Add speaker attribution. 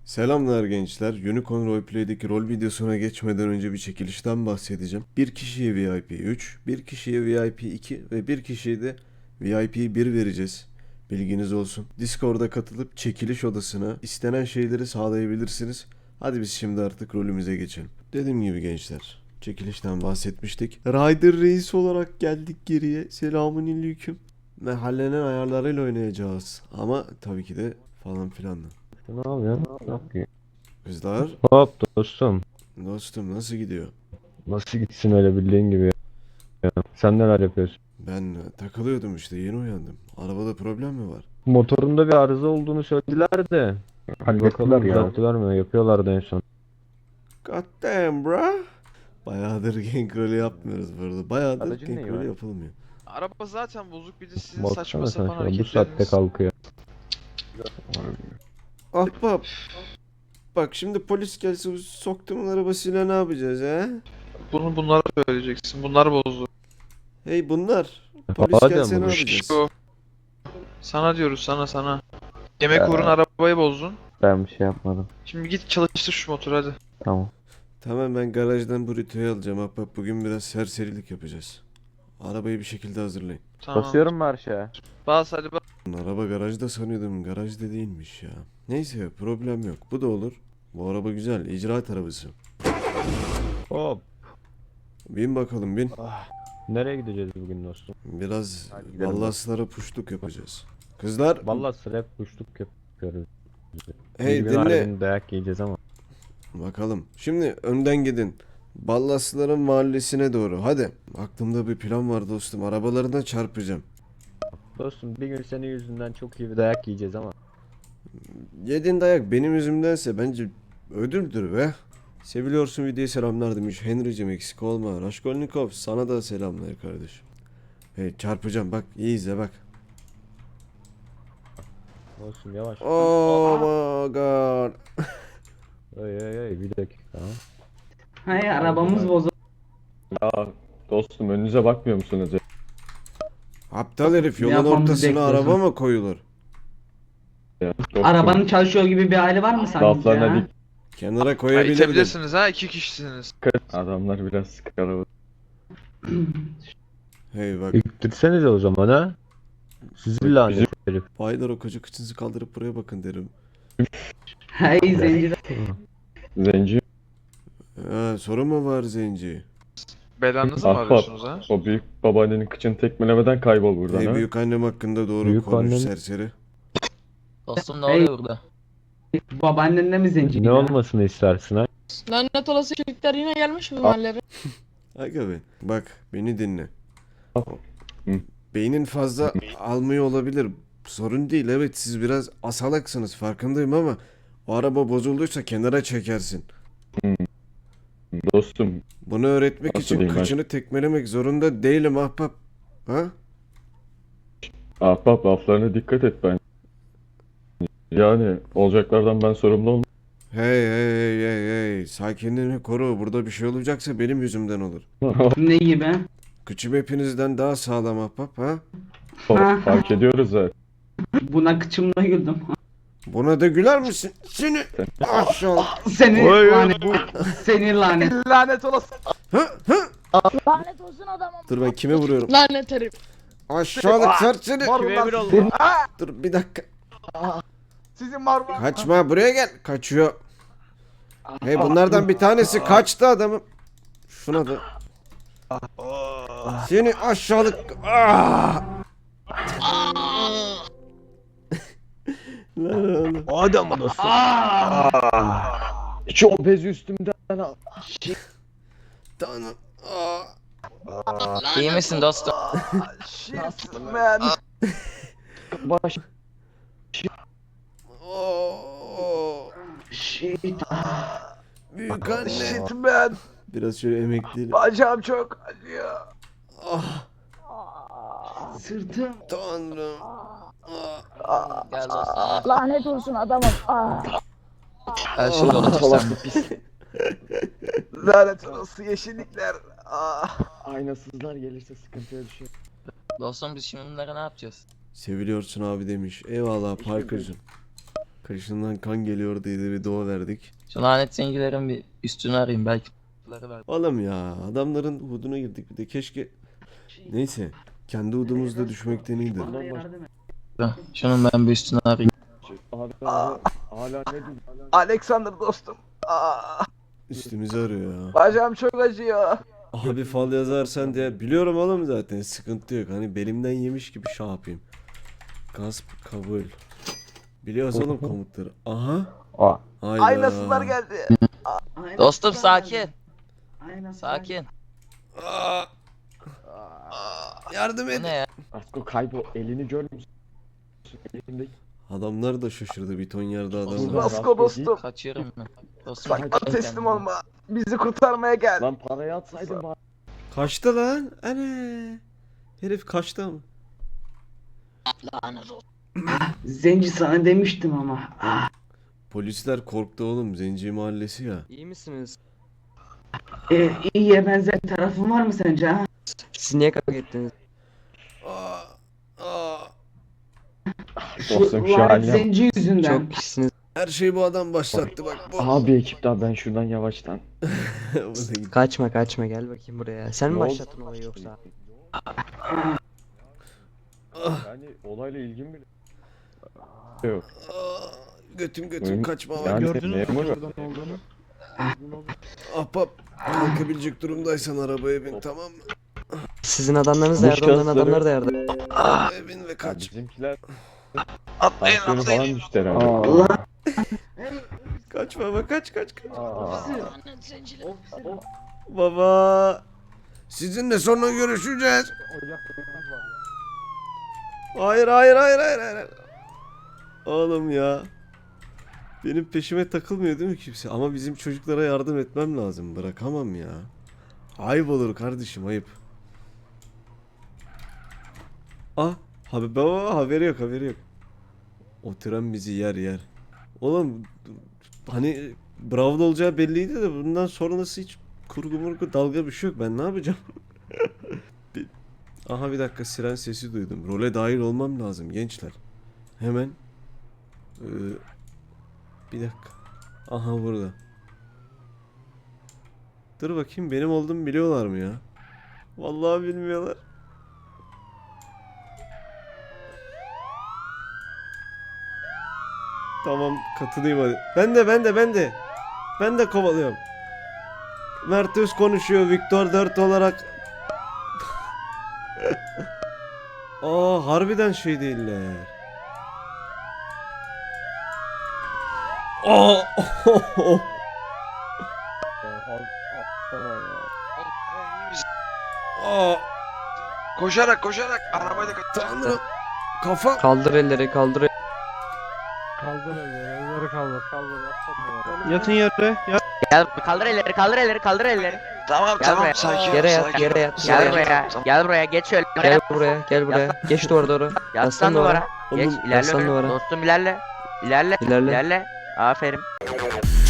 Speaker 1: Selamlar gençler. Unicorn Roleplay'deki rol videosuna geçmeden önce bir çekilişten bahsedeceğim. Bir kişiye VIP 3, bir kişiye VIP 2 ve bir kişiye de VIP 1 vereceğiz. Bilginiz olsun. Discord'a katılıp çekiliş odasına istenen şeyleri sağlayabilirsiniz. Hadi biz şimdi artık rolümüze geçelim. Dediğim gibi gençler, çekilişten bahsetmiştik. Ryder Reis olarak geldik geriye. Selamünaleyküm. Ve hallenen ayarlarıyla oynayacağız. Ama tabii ki de falan filan da.
Speaker 2: Ne yapıyorsun? Ne yapıyorsun?
Speaker 1: Kızlar,
Speaker 2: Hop dostum.
Speaker 1: dostum nasıl gidiyor?
Speaker 2: Nasıl gitsin öyle bildiğin gibi ya. Sen neler yapıyorsun?
Speaker 1: Ben takılıyordum işte yeni uyandım. Arabada problem mi var?
Speaker 2: Motorunda bir arıza olduğunu söylediler de. Bakalım
Speaker 3: ya.
Speaker 2: düzelttiler mi? Yapıyorlardı en son.
Speaker 1: God damn bro. Bayağıdır gank rolü yapmıyoruz bu arada. Bayağıdır
Speaker 3: Aracın
Speaker 1: gank
Speaker 3: neyi
Speaker 1: rolü
Speaker 3: var?
Speaker 1: yapılmıyor.
Speaker 4: Araba zaten bozuk, bir de sizin
Speaker 2: Baksana
Speaker 4: saçma
Speaker 2: sen
Speaker 4: sapan
Speaker 2: şuna, bu saatte
Speaker 4: hareketleriniz.
Speaker 2: kalkıyor.
Speaker 1: Ahbap. Bak şimdi polis gelse bu soktuğumun arabasıyla ne yapacağız he?
Speaker 4: Bunlara söyleyeceksin. Bunlar bozdu.
Speaker 1: Hey bunlar. Polis
Speaker 2: Hadi
Speaker 1: gelse
Speaker 2: ama
Speaker 1: ne
Speaker 2: bu-
Speaker 1: yapacağız?
Speaker 4: İşte o. Sana diyoruz, sana. Yemek uğruna arabayı bozdun.
Speaker 3: Ben bir şey yapmadım.
Speaker 4: Şimdi git çalıştır şu motoru hadi.
Speaker 3: Tamam.
Speaker 1: Tamam ben garajdan burrito'yu alacağım ahbap. Bugün biraz serserilik yapacağız. Arabayı bir şekilde hazırlayın.
Speaker 4: Tamam.
Speaker 3: Basıyorum mu aşağı?
Speaker 4: Bas hadi bas.
Speaker 1: Araba garajda sanıyordum. Garajda değilmiş ya. Neyse problem yok. Bu da olur. Bu araba güzel. İcraat arabası.
Speaker 2: Hop.
Speaker 1: Bin bakalım bin.
Speaker 2: Nereye gideceğiz bugün dostum?
Speaker 1: Biraz
Speaker 3: Hadi gidelim.
Speaker 1: ballaslara puşluk yapacağız. Kızlar
Speaker 2: Vallahi hep kuşluk yapıyoruz.
Speaker 1: hey
Speaker 2: Bir gün
Speaker 1: dinle.
Speaker 2: harbiden dayak yiyeceğiz ama.
Speaker 1: Bakalım. Şimdi önden gidin. Ballasların mahallesine doğru. Hadi. Aklımda bir plan var dostum. Arabalarına çarpacağım.
Speaker 2: Dostum bir gün senin yüzünden çok iyi bir dayak yiyeceğiz ama.
Speaker 1: Yediğin dayak benim yüzümdense bence ödüldür be. Seviliyorsun videoya selamlar demiş. Henry'cim eksik olma. Raskolnikov sana da selamlar kardeşim. Hey çarpacağım bak iyi izle bak.
Speaker 2: Dostum yavaş.
Speaker 1: Oh my god.
Speaker 2: Ay bir dakika.
Speaker 5: Hayır arabamız bozuldu.
Speaker 3: Dostum önünüze bakmıyor musunuz?
Speaker 1: Aptal herif yolun
Speaker 5: Yapmamızı
Speaker 1: ortasına
Speaker 5: bekliyorsun.
Speaker 1: araba mı koyulur?
Speaker 3: Ya? Dostum,
Speaker 5: Arabanın çalışıyor gibi bir hali var mı sanki
Speaker 3: laflarına
Speaker 5: ya?
Speaker 3: dikkat.
Speaker 1: Kenara koyabilirdin.
Speaker 4: İtebilirsiniz ha, 2 kişisiniz.
Speaker 3: Adamlar biraz sıkar.
Speaker 1: Hey bak.
Speaker 2: İttirsenize o zaman ha. Sizi lanet herif.
Speaker 1: Baylar o koca kıçınızı kaldırıp buraya bakın derim.
Speaker 5: Hey zenci.
Speaker 3: Zenci.
Speaker 1: Ha, sorun mu var zenci?
Speaker 4: Belanızı mı
Speaker 3: Ahbap.
Speaker 4: arıyorsunuz ha?
Speaker 3: O büyük babaannenin kıçını tekmelemeden kaybol buradan
Speaker 1: Hey
Speaker 3: ha.
Speaker 1: büyük annem hakkında doğru
Speaker 2: Büyük
Speaker 1: konuş
Speaker 2: annem-
Speaker 1: serseri.
Speaker 6: Dostum ne
Speaker 5: Hey.
Speaker 6: oluyor burada?
Speaker 5: Babaannenle mi zenci?
Speaker 2: Ne
Speaker 5: ya?
Speaker 2: olmasını istersin ha?
Speaker 7: Lanet olası çocuklar yine gelmiş bu mahallere.
Speaker 1: Aga be. Bak beni dinle.
Speaker 3: Hı.
Speaker 1: Beynin fazla almıyor olabilir. Sorun değil evet siz biraz asalaksınız farkındayım ama o araba bozulduysa kenara çekersin.
Speaker 3: Dostum
Speaker 1: Bunu öğretmek
Speaker 3: Nasıl
Speaker 1: için
Speaker 3: diyeyim ben?
Speaker 1: kıçını tekmelemek zorunda değilim ahbap. Ha?
Speaker 3: ahbap laflarına dikkat et ben. Yani olacaklardan ben sorumlu olmam.
Speaker 1: Hey. Sakinliğini koru. Burada bir şey olacaksa benim yüzümden olur.
Speaker 5: Ne gibi?
Speaker 1: Kıçım hepinizden daha sağlam ahbap ha?
Speaker 3: Fark ediyoruz zaten.
Speaker 5: Buna kıçımla güldüm.
Speaker 1: Buna da güler misin? Seni aşağı.
Speaker 5: Seni lanet. Seni lanet.
Speaker 4: Lanet olası.
Speaker 6: Lanet olsun adamım.
Speaker 1: Dur ben kime vuruyorum?
Speaker 7: Lanet herif.
Speaker 1: Aşağılık serseri.
Speaker 4: Marullar.
Speaker 1: Dur bir dakika.
Speaker 4: Sizin marullar.
Speaker 1: Kaçma buraya gel. Kaçıyor. Hey bunlardan bir tanesi kaçtı adamım. Şuna da. Seni aşağılık. Ah! Lan oğlum.
Speaker 2: O adamı dostum.
Speaker 3: Şu obezi üstümden al.
Speaker 1: Tanrım. Ah!
Speaker 6: İyi misin dostum?
Speaker 3: Baş.
Speaker 1: Oh!
Speaker 5: Shit.
Speaker 1: Büyük anne.
Speaker 4: ben.
Speaker 1: Biraz şöyle emekleyelim.
Speaker 4: Bacağım çok acıyor.
Speaker 1: Ah!
Speaker 5: Sırtım.
Speaker 1: Tanrım. Ah!
Speaker 6: Gel dostum.
Speaker 8: Lanet olsun adamım.
Speaker 6: Her şey yolunda sen.
Speaker 4: Lanet olası yeşillikler.
Speaker 3: Aynasızlar gelirse sıkıntıya düşüyor.
Speaker 6: Dostum biz şimdi bunları ne yapacağız?
Speaker 1: Seviliyorsun abi demiş. Eyvallah Parker'cığım. Kaşından kan geliyor diye de bir dua verdik.
Speaker 6: Şu lanet zencilerin bir üstünü arayayım belki.
Speaker 1: Oğlum ya adamların huduna girdik bir de keşke... Neyse kendi hudumuzda düşmekten iyidir.
Speaker 5: Bana yardım et.
Speaker 6: Şunun ben bir üstünü arayayım.
Speaker 3: Abi hala ne diyeyim?
Speaker 8: Alexander dostum.
Speaker 1: Üstümüzü arıyor ya.
Speaker 8: Bacağım çok acıyor.
Speaker 1: Abi fal yazarsan diye biliyorum oğlum zaten sıkıntı yok. Hani belimden yemiş gibi şey yapayım. Gasp kabul. Biliyoruz oğlum komutları. Aha.
Speaker 2: Aa,
Speaker 1: Hayda.
Speaker 8: Aynasınlar geldi.
Speaker 5: Aynen
Speaker 6: Dostum
Speaker 5: sana
Speaker 6: sakin.
Speaker 5: yardım. Aynen sana
Speaker 6: Sakin.
Speaker 1: Aa. Yardım
Speaker 6: Bu
Speaker 1: et.
Speaker 6: ne ya?
Speaker 3: Asko kaybol. Elini görmüyor musun? Elindeki.
Speaker 1: Adamlar da şaşırdı bir ton yerde adam var.
Speaker 8: Basko dostum.
Speaker 6: Kaçıyorum ben. Dostum
Speaker 8: Bak bana teslim
Speaker 6: kendine.
Speaker 8: olma. Bizi kurtarmaya gel.
Speaker 3: Lan parayı atsaydın bari.
Speaker 1: Kaçtı lan. Ana. Herif kaçtı ama.
Speaker 5: Zenci sana demiştim ama.
Speaker 1: Polisler korktu oğlum. Zenci mahallesi ya.
Speaker 9: İyi misiniz?
Speaker 5: İyiye benzer tarafın var mı sence ha?
Speaker 9: Siz niye kavga ettiniz?
Speaker 1: Aa. Aa.
Speaker 3: Dostum şu
Speaker 5: lanet
Speaker 3: haline.
Speaker 5: zenci yüzünden.
Speaker 9: Çok kişisiniz.
Speaker 1: Her şeyi bu adam başlattı bak bu.
Speaker 3: Aha bir ekip daha ben şuradan yavaştan.
Speaker 1: Bu da gitti.
Speaker 9: Kaçma kaçma gel bakayım buraya. Sen mi
Speaker 3: Ne oldu?
Speaker 9: başlattın olayı yoksa?
Speaker 3: Yani olayla ilgim bile yok.
Speaker 1: Aa, götüm götüm
Speaker 3: Benim-
Speaker 1: kaçma bak.
Speaker 3: Yani
Speaker 4: Gördünüz mü
Speaker 3: memur.
Speaker 4: oradan olduğunu?
Speaker 1: Ahbap kalkabilecek durumdaysan arabaya bin tamam mı?
Speaker 9: Sizin adamlarınız da
Speaker 3: Boş
Speaker 9: yerde, onların
Speaker 3: kasları-
Speaker 9: adamları da yerde.
Speaker 1: Arabaya bin ve
Speaker 3: Ya
Speaker 1: kaç.
Speaker 3: bizimkiler
Speaker 4: Atlayın
Speaker 3: tansiyonu
Speaker 4: atlayın.
Speaker 3: falan düştü herhalde.
Speaker 5: Allah.
Speaker 1: Kaç baba kaç.
Speaker 5: Ofisir.
Speaker 1: Baba. Sizinle sonra görüşeceğiz. Hayır. Oğlum ya. Benim peşime takılmıyor değil mi kimse? Ama bizim çocuklara yardım etmem lazım. Bırakamam ya. Ayıp olur kardeşim ayıp. Ah. Baba haberi yok. O tren bizi yer. Oğlum hani Bravo'da olacağı belliydi de bundan sonrası hiç kurgu murgu dalga bir şey yok. Ben ne yapacağım? Aha bir dakika siren sesi duydum. Role dahil olmam lazım gençler. Hemen. Bir dakika. Aha burada. Dur bakayım benim olduğumu biliyorlar mı ya? Vallahi bilmiyorlar. Tamam katılayım hadi. Ben de. Ben de kovalıyorum. Mert Öz konuşuyor Victor 4 olarak. Aa harbiden şey değiller. Aa. Aa.
Speaker 4: Koşarak arabayla
Speaker 1: Tanrım. Kafa.
Speaker 9: Kaldır elleri kaldır.
Speaker 4: Yatın yere.
Speaker 6: Gel kaldır elleri.
Speaker 4: Tamam
Speaker 6: Gel buraya.
Speaker 4: sakin.
Speaker 9: Yere yat
Speaker 4: sakin.
Speaker 9: yere yat.
Speaker 6: Gel
Speaker 9: Yere yat.
Speaker 6: buraya. Gel buraya geç şöyle.
Speaker 9: Gel buraya. Geç duvara doğru.
Speaker 6: Yaslan
Speaker 9: Yaslan
Speaker 6: duvara.
Speaker 9: duvara.
Speaker 6: Geç
Speaker 1: Oğlum,
Speaker 6: ilerle.
Speaker 9: yaslan
Speaker 6: önüne.
Speaker 9: duvara.
Speaker 6: Dostum ilerle.
Speaker 9: İlerle.
Speaker 6: İlerle. Aferin.